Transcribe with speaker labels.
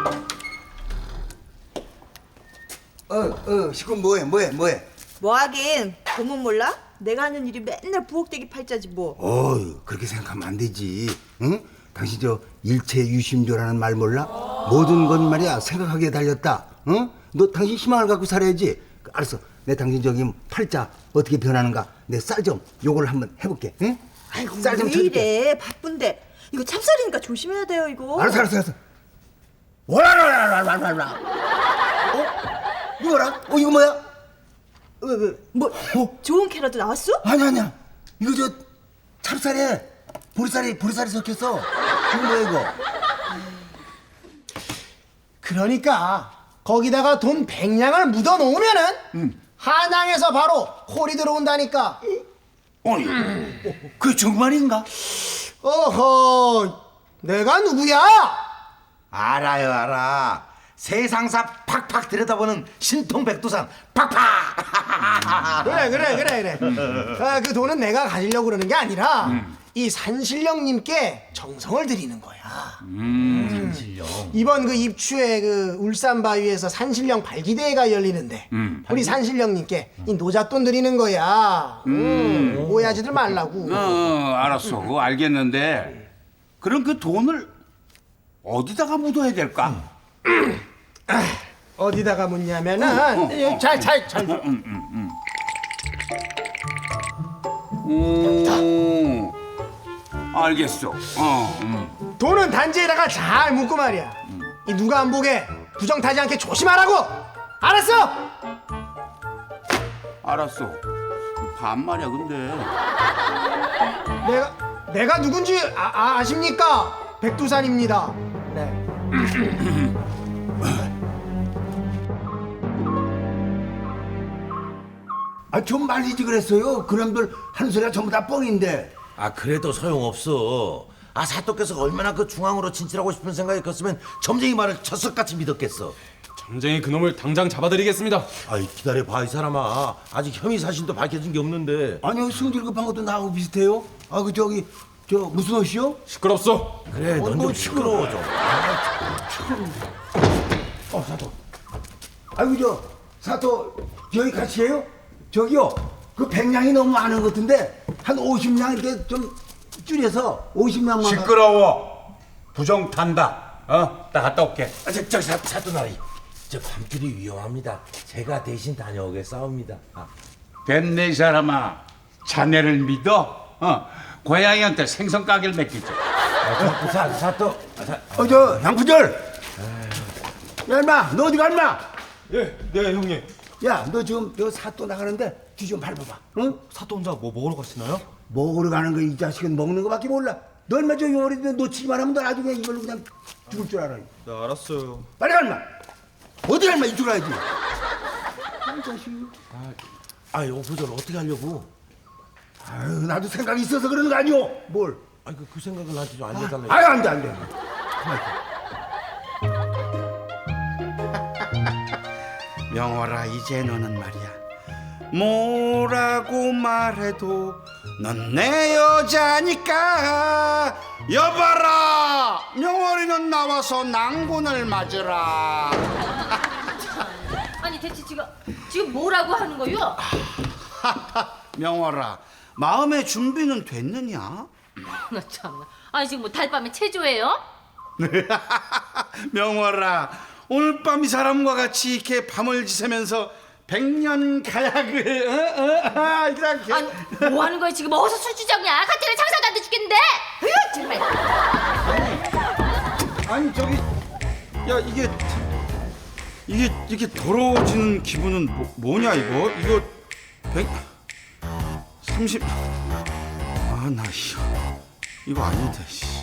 Speaker 1: 시군 뭐해?
Speaker 2: 뭐 하긴 보면 몰라? 내가 하는 일이 맨날 부엌대기 팔자지 뭐.
Speaker 1: 그렇게 생각하면 안 되지. 응? 당신 저 일체유심조라는 말 몰라? 모든 건 말이야 생각하기에 달렸다. 응? 너 당신 희망을 갖고 살아야지. 알았어. 내 당신 저기 팔자 어떻게 변하는가 내 쌀 좀 요걸 한번 해볼게. 응?
Speaker 2: 아이고
Speaker 1: 쌀 좀
Speaker 2: 왜
Speaker 1: 쳐줄게.
Speaker 2: 이래 바쁜데. 이거 찹쌀이니까 조심해야 돼요 이거.
Speaker 1: 알았어. 와라라라라라라. 이거라? 이거 뭐야?
Speaker 2: 왜? 뭐 좋은 캐러도 나왔어?
Speaker 1: 아니야. 이거 저 찹쌀에 보리쌀이 섞였어. 이거 뭐야 이거?
Speaker 3: 그러니까 거기다가 돈 100냥을 묻어 놓으면은 한양에서 바로 콜이 들어온다니까.
Speaker 1: 아니, 그게 정말인가?
Speaker 3: 어허, 내가 누구야?
Speaker 4: 알아. 세상사 팍팍 들여다보는 신통백두산 팍팍.
Speaker 3: 그래. 그 돈은 내가 가지려고 그러는 게 아니라 이 산신령님께 정성을 드리는 거야.
Speaker 4: 산신령.
Speaker 3: 이번 그 입추에 그 울산 바위에서 산신령 발기대회가 열리는데 우리 산신령님께 이 노잣돈 드리는 거야. 오해하지들 말라고.
Speaker 5: 알았어. 그거 알겠는데 그럼 그 돈을 어디다가 묻어야 될까?
Speaker 3: 어디다가 묻냐면은 잘.
Speaker 5: 알겠어.
Speaker 3: 돈은 단지에다가 잘 묻고 말이야. 이 누가 안 보게 부정 타지 않게 조심하라고. 알았어?
Speaker 5: 알았어. 반말이야 근데.
Speaker 3: 내가 누군지 아십니까? 백두산입니다. 네.
Speaker 1: 좀 말리지 그랬어요. 그놈들 하는 소리가 전부 다 뻥인데.
Speaker 4: 그래도 소용없어. 사또께서 얼마나 그 중앙으로 진출하고 싶은 생각이 컸으면 점쟁이 말을 쳤을같이 믿었겠어.
Speaker 6: 점쟁이 그놈을 당장 잡아드리겠습니다.
Speaker 4: 기다려봐 이 사람아. 아직 혐의 사실도 밝혀진 게 없는데.
Speaker 1: 아니요, 승질 급한 것도 나하고 비슷해요. 저 무슨 옷이요?
Speaker 6: 시끄럽소.
Speaker 4: 그래 넌 좀 시끄러워 좀.
Speaker 1: 사또. 사또 여기 같이 해요? 저기요, 그 100냥이 너무 많은 것 같은데 한 50냥 이렇게 좀 줄여서 50냥만.
Speaker 5: 시끄러워. 부정 탄다. 나 갔다 올게.
Speaker 4: 저기 사또나리. 저 밤길이 위험합니다. 제가 대신 다녀오겠사옵니다.
Speaker 5: 됐네 이 사람아. 자네를 믿어? 고양이한테 생선 가게를 맡기지.
Speaker 4: 사또.
Speaker 1: 저 양푸절. 야 인마, 너 어디 가 인마?
Speaker 6: 네 형님.
Speaker 1: 야, 너 지금 저 사또 나가는데 뒤 좀 밟아봐. 응?
Speaker 6: 사또 혼자 뭐 먹으러 가시나요?
Speaker 1: 먹으러 가는 거 이 자식은 먹는 거밖에 몰라. 너 얼마 저 요리도 놓치기만 하면 너 나중에 이걸로 그냥 죽을 줄 알아.
Speaker 6: 네 알았어요.
Speaker 1: 빨리 가 인마. 어디 가 인마, 이쪽 가야지. 이 자식.
Speaker 4: 오부절 어떻게 하려고?
Speaker 1: 나도 생각이 있어서 그러는 거 아니오. 뭘?
Speaker 4: 그 생각을 나한테 좀 알려달라.
Speaker 1: 안 돼.
Speaker 5: 명월아, 이제 너는 말이야. 뭐라고 말해도 넌 내 여자니까. 여봐라, 명월이는 나와서 낭군을 맞으라.
Speaker 7: 아니 대체 지금 뭐라고 하는 거요?
Speaker 5: 명월아, 마음의 준비는 됐느냐?
Speaker 7: 나 참나. 아니 지금 뭐 달밤에 체조해요?
Speaker 5: 명월아, 오늘 밤 이 사람과 같이 이렇게 밤을 지새면서 100년 가약을 이렇게.
Speaker 7: 아니 뭐 하는 거야 지금? 어디서 술 주정이야? 같은 장사도 안 돼 죽겠는데. 으 정말.
Speaker 5: 아니 저기, 야 이게 이렇게 더러워지는 기분은 뭐냐 이거 130. 나 이거 아닌데.